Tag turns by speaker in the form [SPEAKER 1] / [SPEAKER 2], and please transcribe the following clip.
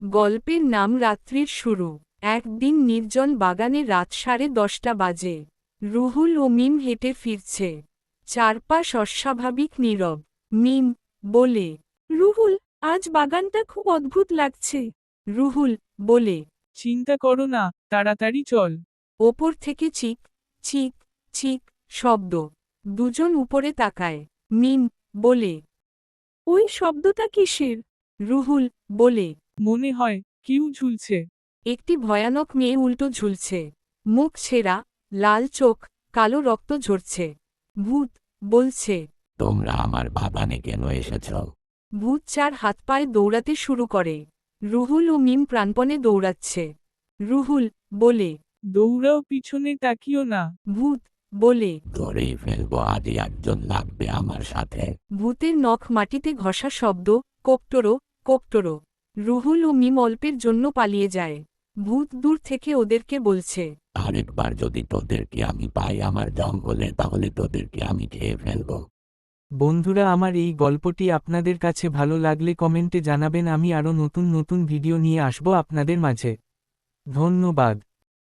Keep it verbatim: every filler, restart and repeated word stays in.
[SPEAKER 1] গল্পের নাম রাত্রির শুরু। একদিন নির্জন বাগানে রাত সাড়ে দশটা বাজে। রুহুল ও মিম হেঁটে ফিরছে। চারপাশ অস্বাভাবিক নীরব। মিম বলে, রুহুল, আজ বাগানটা খুব অদ্ভুত লাগছে। রুহুল বলে,
[SPEAKER 2] চিন্তা করো না, তাড়াতাড়ি চল।
[SPEAKER 1] ওপর থেকে চিক চিক চিক শব্দ। দুজন উপরে তাকায়। মিম বলে, ওই শব্দটা কিসের? রুহুল বলে,
[SPEAKER 2] মনে হয় কেউ ঝুলছে।
[SPEAKER 1] একটি ভয়ানক মেয়ে উল্টো ঝুলছে। মুখ ছেঁড়া, লাল চোখ, কালো রক্ত ঝরছে। ভূত বলছে।
[SPEAKER 3] তোমরা আমার বাগানে কেন এসেছ?
[SPEAKER 1] ভূত চার হাত পায়ে দৌড়াতে শুরু করে। রুহুল ও মিম প্রাণপণে দৌড়াচ্ছে। রুহুল বলে,
[SPEAKER 2] দৌড়াও, পিছনে তাকিও না।
[SPEAKER 1] ভূত বলে,
[SPEAKER 3] ধরেই ফেলবো, আজই একজন লাগবে আমার সাথে।
[SPEAKER 1] ভূতের নখ মাটিতে ঘষা শব্দ, কোপটোরো কোপটোরো। রুহুল ও মিম অল্পের জন্য পালিয়ে যায়। ভূত দূর থেকে ওদেরকে বলছে,
[SPEAKER 3] আরেকবার যদি তোদেরকে আমি পাই আমার জঙ্গলে, তাহলে তোদেরকে আমি খেয়ে ফেলবো।
[SPEAKER 4] বন্ধুরা, আমার এই গল্পটি আপনাদের কাছে ভালো লাগলে কমেন্টে জানাবেন। আমি আরও নতুন নতুন ভিডিও নিয়ে আসব আপনাদের মাঝে। ধন্যবাদ।